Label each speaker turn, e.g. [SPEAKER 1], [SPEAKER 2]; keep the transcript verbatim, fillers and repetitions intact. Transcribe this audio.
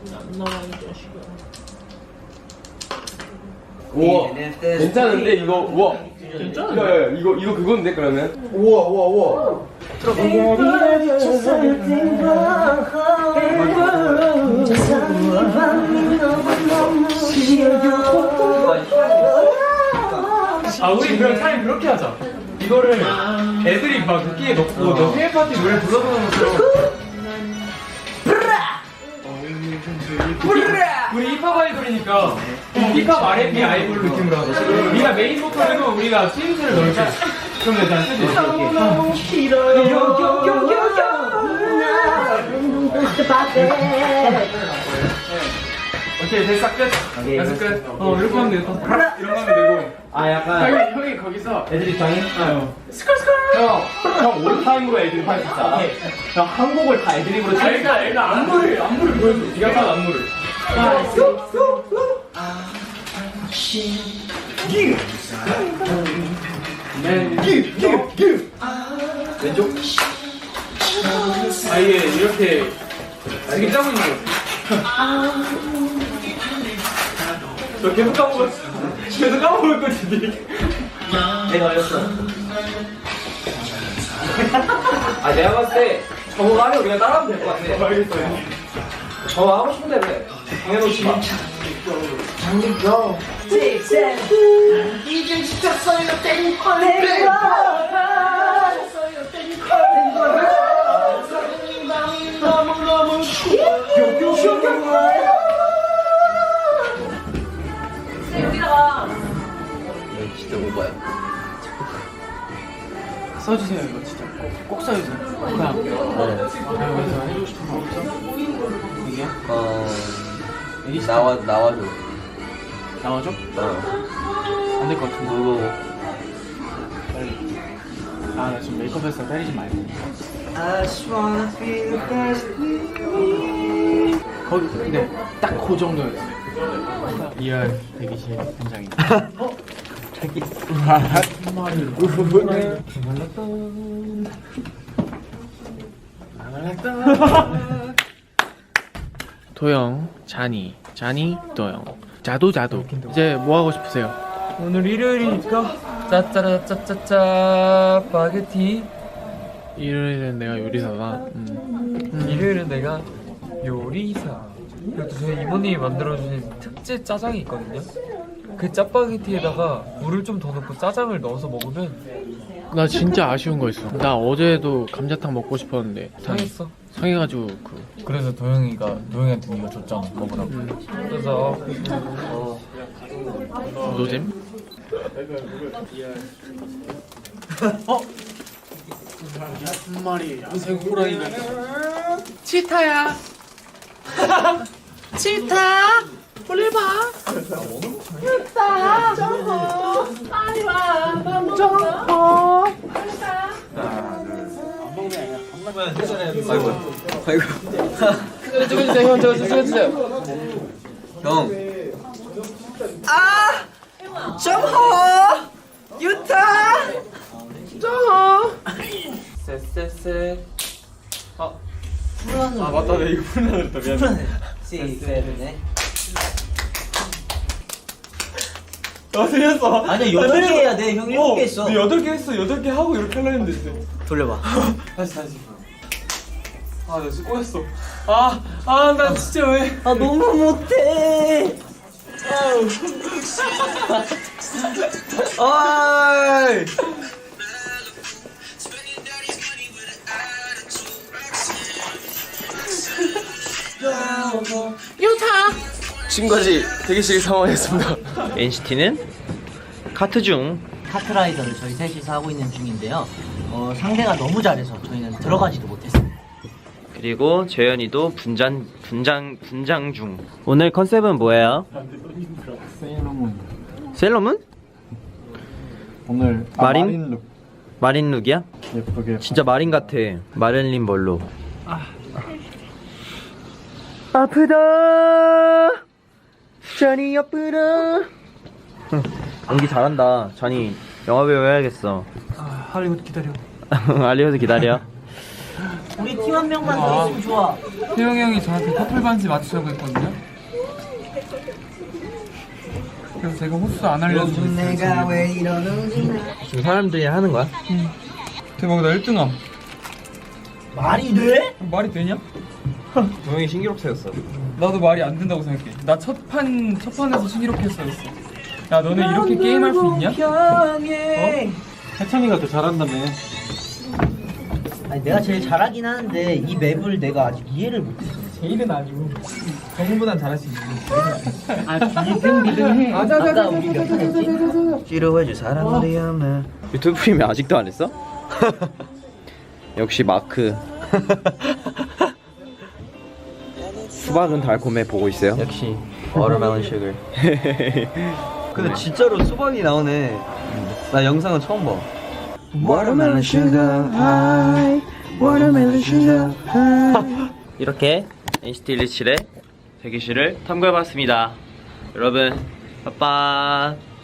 [SPEAKER 1] 나와 이 자식아.
[SPEAKER 2] 우와 괜찮은데 이거 우와
[SPEAKER 1] 괜찮은데?
[SPEAKER 2] 야, 야, 이거 이거 그건데 그러면
[SPEAKER 3] 우와 우와 우와.
[SPEAKER 2] 아 우리 그럼 타임 그렇게 하자. 이거를 애들이 막 웃기에 넣고 너 생일 파티 노래 불러보는 것처럼. 우리 힙합 아이돌이니까 힙합 알앤비 아이돌 느낌으로 하자. 우리가 메인 보컬이고 우리가 스윙스를 넣을게. 그럼 일단 쓰지. 오케이 됐어 끝. 됐어 끝. 어 이렇게 하면 되겠다. 이런 거 하면 되고.
[SPEAKER 3] 아 약간
[SPEAKER 2] 형이 형이 거기서
[SPEAKER 3] 애들이 방이?
[SPEAKER 2] 어.
[SPEAKER 3] 형형 올타임으로 애들이 할 수 있잖아. 형 한 곡을 다 애드립으로
[SPEAKER 2] 아, 애가 애가 안무를 안무를 보여줘. 네가 한 안무를.
[SPEAKER 3] 왼쪽?
[SPEAKER 2] 아 이게 이렇게 되게 짜고 있는 거. 저 계속 까먹었어. 계속 까먹을 거지.
[SPEAKER 3] 내가 올렸어. 아 내가 봤을 때 저거 하면 우리가 따라하면 될 것 같아.
[SPEAKER 2] 알겠어요.
[SPEAKER 3] 저거 하고 싶은데 왜? 당해놓지 마. 장기고
[SPEAKER 1] 이제 시켰어요 땡콜 너무너무 여기다가
[SPEAKER 3] 진짜 오바야.
[SPEAKER 2] 써주세요 이거 진짜 꼭, 꼭 써주세요. 그냥 여기서 해주고 싶은 거 없죠? 이게요?
[SPEAKER 3] 어
[SPEAKER 2] 여기
[SPEAKER 3] 나와 나와줘.
[SPEAKER 2] 나와줘?
[SPEAKER 3] 어.
[SPEAKER 2] 안 될 것 같은데.
[SPEAKER 3] 누구?
[SPEAKER 2] 빨리. 아 나 지금 메이크업해서 때리지 말고.
[SPEAKER 3] I just wanna be the best with me.
[SPEAKER 2] 거기 근데 딱 그 정도였어. 이열 대기실 현장입니다. 어?
[SPEAKER 3] 저기.
[SPEAKER 2] 한 마리. 도영, 자니, 자니, 도영. 자도 자도. 이제 뭐 하고 싶으세요?
[SPEAKER 4] 오늘 일요일이니까 짜짜라짜짜짜 파게티.
[SPEAKER 2] 일요일은 내가 요리사다. 음.
[SPEAKER 4] 일요일은 내가 요리사. 그리고 또 저희 이모님이 만들어주신 특제 짜장이 있거든요. 그 짜파게티에다가 물을 좀 더 넣고 짜장을 넣어서 먹으면
[SPEAKER 2] 나 진짜 아쉬운 거 있어. 나 어제도 감자탕 먹고 싶었는데
[SPEAKER 4] 상했어.
[SPEAKER 2] 상해가지고 그
[SPEAKER 4] 그래서 도영이가 도영이한테 이거 줬잖아 먹으라고. 그래서 어,
[SPEAKER 2] 노잼? 어? 한 마리 야생 호랑이가 치타야. 치타 빨리 봐. 치타 정호 빨리 와. 정호
[SPEAKER 3] 아이고 아이고.
[SPEAKER 2] 찍어주세요 형. 저거 찍어주세요.
[SPEAKER 3] 형. 아 정호 유타
[SPEAKER 2] 정호.
[SPEAKER 4] 쎄쎄쎄.
[SPEAKER 2] 아 맞다 내 이거 풀어놨다 미안해.
[SPEAKER 3] 시세븐에.
[SPEAKER 2] 아 틀렸어.
[SPEAKER 3] 아니야 여덟 개 해야 돼. 형 일곱 개 했어.
[SPEAKER 2] 너 여덟 개 했어. 여덟 개 하고 이렇게 하려 했는데 진짜.
[SPEAKER 3] 돌려봐.
[SPEAKER 2] 다시 다시. 아 나 진짜 꼬였어. 아 아 나 진짜 왜?
[SPEAKER 3] 아 너무 못해. 아이.
[SPEAKER 2] 지금까지 대기실 상황이었습니다.
[SPEAKER 5] 엔시티는 카트 중.
[SPEAKER 6] 카트라이더를 저희 셋이서 하고 있는 중인데요. 어, 상대가 너무 잘해서 저희는 들어가지도 못했어요.
[SPEAKER 5] 그리고 재현이도 분장 분장 분장 중. 오늘 컨셉은 뭐예요?
[SPEAKER 7] 세일러문.
[SPEAKER 5] 셀러문?
[SPEAKER 7] 오늘 아,
[SPEAKER 5] 마린?
[SPEAKER 7] 마린 룩
[SPEAKER 5] 마린 룩이야?
[SPEAKER 7] 예쁘게.
[SPEAKER 5] 진짜 마린 같아. 마릴린 멀로. 아프다. 잔이 아프다. 연기 잘한다. 잔이 영화배우 해야겠어.
[SPEAKER 2] 아 할리우드 기다려.
[SPEAKER 5] 알리오드 기다려.
[SPEAKER 6] 우리 팀 한 명만
[SPEAKER 4] 아.
[SPEAKER 6] 더 있으면 좋아.
[SPEAKER 4] 태영이 형이 저한테 커플 반지 맞추자고 했거든요. 그래서 제가 호수 안 알려주고
[SPEAKER 6] 왜 이러는지.
[SPEAKER 5] 지금 사람들이 하는 거야?
[SPEAKER 4] 대박, 나 일 등함.
[SPEAKER 6] 말이 돼?
[SPEAKER 4] 말이 되냐?
[SPEAKER 5] 동영이 신기록 세웠어.
[SPEAKER 4] 나도 말이 안 된다고 생각해. 나 첫 판, 첫 판에서 신기록 했어였어. 야, 너네 이렇게 게임할 수 있냐? 어?
[SPEAKER 7] 해찬이가 더 잘한다며.
[SPEAKER 6] 아니 내가 제일 잘하긴 하는데 이 맵을 내가 아직 이해를 못했어.
[SPEAKER 4] 제일은 아니고 정훈보단 잘할 수 있는.
[SPEAKER 6] 아 비등 비등해. 아까 우리 몇 판 했지?
[SPEAKER 5] 싫어해줄 사람들이 없네. 유튜브 프리미엄 아직도 안 했어? 역시 마크. 수박은 달콤해 보고 있어요. 역시 워터멜론 슈거. 근데 진짜로 수박이 나오네. 나 영상은 처음 봐. 워터멜론 슈거 하이. 워터멜론 슈거 하이. 이렇게 엔시티 일이칠의 대기실을 탐구해봤습니다. 여러분, 빠빠.